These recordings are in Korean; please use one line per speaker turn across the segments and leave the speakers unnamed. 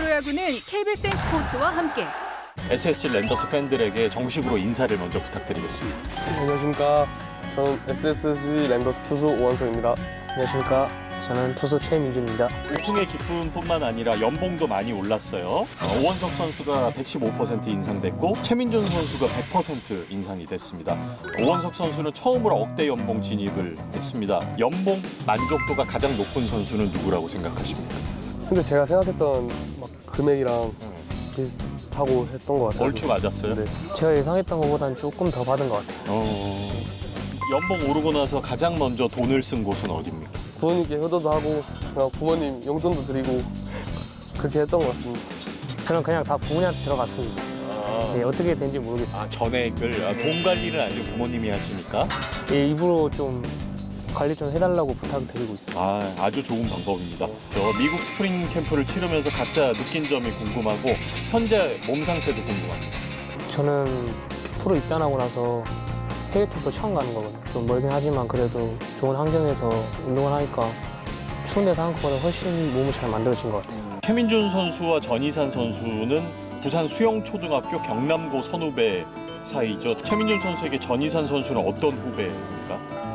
프로야구는 KBSN 스포츠와 함께
SSG 랜더스 팬들에게 정식으로 인사를 먼저 부탁드리겠습니다.
안녕하십니까. 저는 SSG 랜더스 투수 오원석입니다.
안녕하십니까. 저는 투수 최민준입니다.
우승의 기쁨뿐만 아니라 연봉도 많이 올랐어요. 오원석 선수가 115% 인상됐고 최민준 선수가 100% 인상이 됐습니다. 오원석 선수는 처음으로 억대 연봉 진입을 했습니다. 연봉 만족도가 가장 높은 선수는 누구라고 생각하십니까?
근데 제가 생각했던 막 금액이랑 비슷하고 했던 것 같아요.
얼추 맞았어요?
네.
제가 예상했던 것보다는 조금 더 받은 것 같아요.
연봉 오르고 나서 가장 먼저 돈을 쓴 곳은 어디입니까?
부모님께 효도도 하고 그냥 부모님 용돈도 드리고 그렇게 했던 것 같습니다.
저는 그냥 다 부모님한테 들어갔습니다. 네, 어떻게 된지 모르겠어요.
전액을 돈 관리를 아직 부모님이 하시니까
예, 입으로 좀 관리 좀 해달라고 부탁드리고 있어요.
아주 좋은 방법입니다. 저 미국 스프링 캠프를 치르면서 각자 느낀 점이 궁금하고 현재 몸 상태도 궁금합니다.
저는 프로 입단하고 나서 해외 캠프 처음 가는 거거든요. 좀 멀긴 하지만 그래도 좋은 환경에서 운동을 하니까 추운 데서 한 것보다 훨씬 몸이 잘 만들어진 것 같아요.
최민준 선수와 전희산 선수는 부산 수영초등학교 경남고 선후배 사이죠. 최민준 선수에게 전희산 선수는 어떤 후배입니까?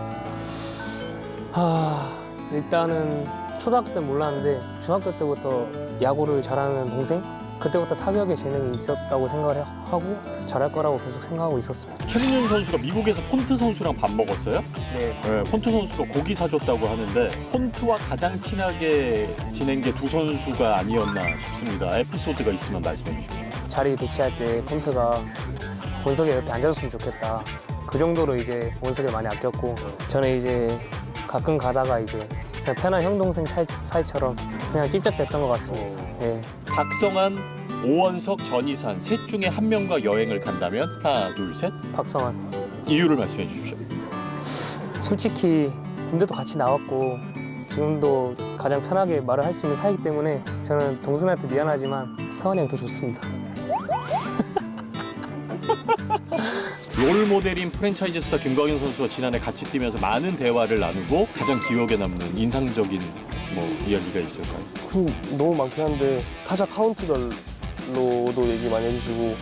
일단은 초등학교 때 몰랐는데 중학교 때부터 야구를 잘하는 동생? 그때부터 타격에 재능이 있었다고 생각을 하고 잘할 거라고 계속 생각하고 있었습니다.
최민준 선수가 미국에서 폰트 선수랑 밥 먹었어요?
네.
네, 폰트 선수가 고기 사줬다고 하는데 폰트와 가장 친하게 지낸 게 두 선수가 아니었나 싶습니다. 에피소드가 있으면 말씀해 주십시오.
자리 배치할 때 폰트가 원석이 옆에 앉아줬으면 좋겠다. 그 정도로 이제 원석을 많이 아꼈고 저는 이제 가끔 가다가 이제 그냥 편한 형 동생 사이처럼 그냥 찝쩍댔던 것 같습니다. 네.
박성환, 오원석, 전희산 셋 중에 한 명과 여행을 간다면 하나, 둘, 셋
박성환.
이유를 말씀해 주십시오.
솔직히 군대도 같이 나왔고 지금도 가장 편하게 말을 할 수 있는 사이기 때문에 저는 동생한테 미안하지만 성환이 형이 더 좋습니다.
롤 모델인 프랜차이즈 스타 김광현 선수와 지난해 같이 뛰면서 많은 대화를 나누고 가장 기억에 남는 인상적인 이야기가 있을까요?
너무 많긴 한데 타자 카운트별로도 얘기 많이 해주시고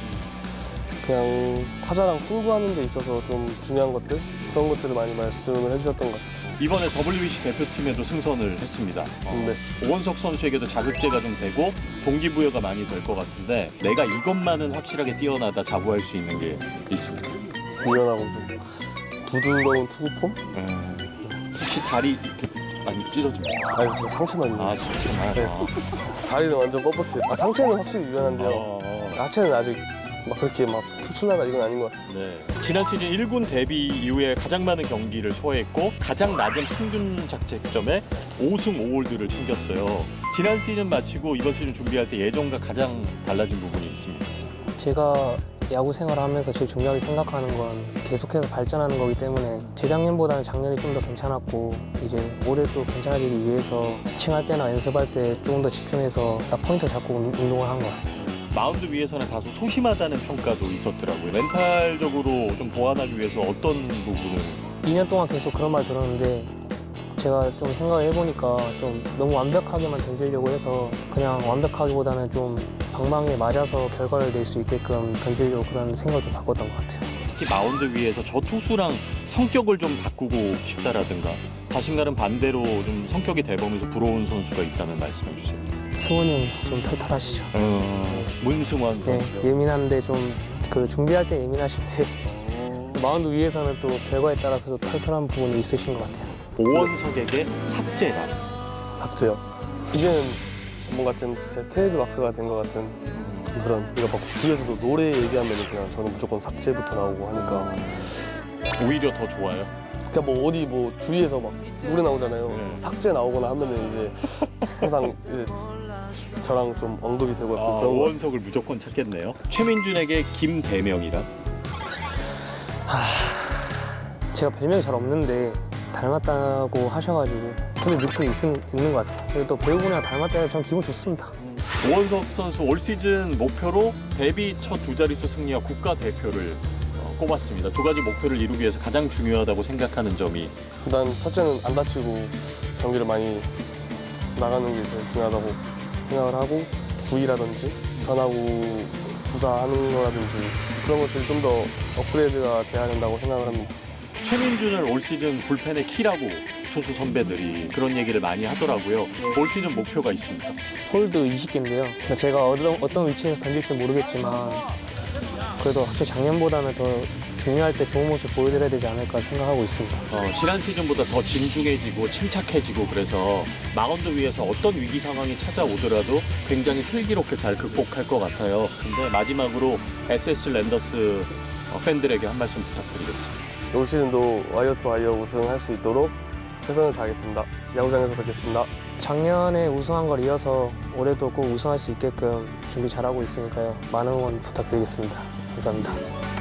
그냥 타자랑 승부하는 데 있어서 좀 중요한 것들 그런 것들을 많이 말씀을 해주셨던 것 같습니다.
이번에 WBC 대표팀에도 승선을 했습니다.
네.
오원석 선수에게도 자극제가 좀 되고 동기부여가 많이 될 것 같은데 내가 이것만은 확실하게 뛰어나다 자부할 수 있는 게 있습니다.
유연하고 좀 부드러운 투구폼?
혹시 다리 이렇게 많이 찢어집니까?
아니 진짜 상체만요.
상체만.
네. 다리는 완전 뻣뻣해요. 상체는 확실히 유연한데요. 하체는 아직 막 그렇게 막 특출나다 이건 아닌 것 같습니다.
네. 지난 시즌 1군 데뷔 이후에 가장 많은 경기를 소화했고 가장 낮은 평균 자책점에 5승 5홀드를 챙겼어요. 지난 시즌 마치고 이번 시즌 준비할 때 예전과 가장 달라진 부분이 있습니다.
제가 야구 생활을 하면서 제일 중요하게 생각하는 건 계속해서 발전하는 거기 때문에 재작년보다는 작년이 좀 더 괜찮았고 이제 올해 또 괜찮아지기 위해서 피칭할 때나 연습할 때 조금 더 집중해서 딱 포인트 잡고 운동을 한 것 같습니다.
마운드 위에서는 다소 소심하다는 평가도 있었더라고요. 멘탈적으로 좀 보완하기 위해서 어떤 부분을?
2년 동안 계속 그런 말 들었는데 제가 좀 생각을 해보니까 좀 너무 완벽하게만 던지려고 해서 그냥 완벽하기보다는 좀 방망이에 맞아서 결과를 낼 수 있게끔 던지려고 그런 생각을 좀 바꿨던 것 같아요.
특히 마운드 위에서 저 투수랑 성격을 좀 바꾸고 싶다라든가 자신과는 반대로 좀 성격이 대범해서 부러운 선수가 있다면 말씀해 주세요.
승원이 형 좀 털털하시죠.
문승원
네,
선수요.
예민한데 좀 그 준비할 때 예민하신데 마운드 위에서는 또 결과에 따라서 좀 털털한 부분이 있으신 것 같아요.
오원석에게 삭제라.
삭제요. 이제는 뭔가 좀 제 트레이드 마크가 된 것 같은 그런 그러니까 막 주위에서도 노래 얘기하면 그냥 저는 무조건 삭제부터 나오고 하니까
오히려 더 좋아요.
그러니까 뭐 어디 뭐 주위에서 막 노래 나오잖아요.
네.
삭제 나오거나 하면은 이제 항상 이제 저랑 좀 언급이 되고 그런 거.
오원석을 무조건 찾겠네요. 최민준에게 김대명이란?
제가 별명이 잘 없는데 닮았다고 하셔가지고 근데 느낌이 있는 것 같아요. 그리고 또 배우분이랑 닮았다니 저는 기분 좋습니다.
오원석 선수 올 시즌 목표로 데뷔 첫 두 자릿수 승리와 국가대표를 꼽았습니다. 두 가지 목표를 이루기 위해서 가장 중요하다고 생각하는 점이
일단 첫째는 안 다치고 경기를 많이 나가는 게 제일 중요하다고 생각을 하고 두 부위라든지 변화구 구사하는 거라든지 그런 것들이 좀 더 업그레이드가 돼야 된다고 생각을 합니다.
최민준을 올 시즌 불펜의 키라고 투수 선배들이 그런 얘기를 많이 하더라고요. 올 시즌 목표가 있습니다.
홀드 20개인데요. 제가 어떤 위치에서 던질지 모르겠지만 그래도 확실히 작년보다는 더 중요할 때 좋은 모습 보여드려야 되지 않을까 생각하고 있습니다.
지난 시즌보다 더 진중해지고 침착해지고 그래서 마운드 위에서 어떤 위기 상황이 찾아오더라도 굉장히 슬기롭게 잘 극복할 것 같아요. 근데 마지막으로 SS 랜더스 팬들에게 한 말씀 부탁드리겠습니다.
올 시즌도 와이어 투 와이어 우승할 수 있도록 최선을 다하겠습니다. 야구장에서 뵙겠습니다.
작년에 우승한 걸 이어서 올해도 꼭 우승할 수 있게끔 준비 잘하고 있으니까요. 많은 응원 부탁드리겠습니다. 감사합니다.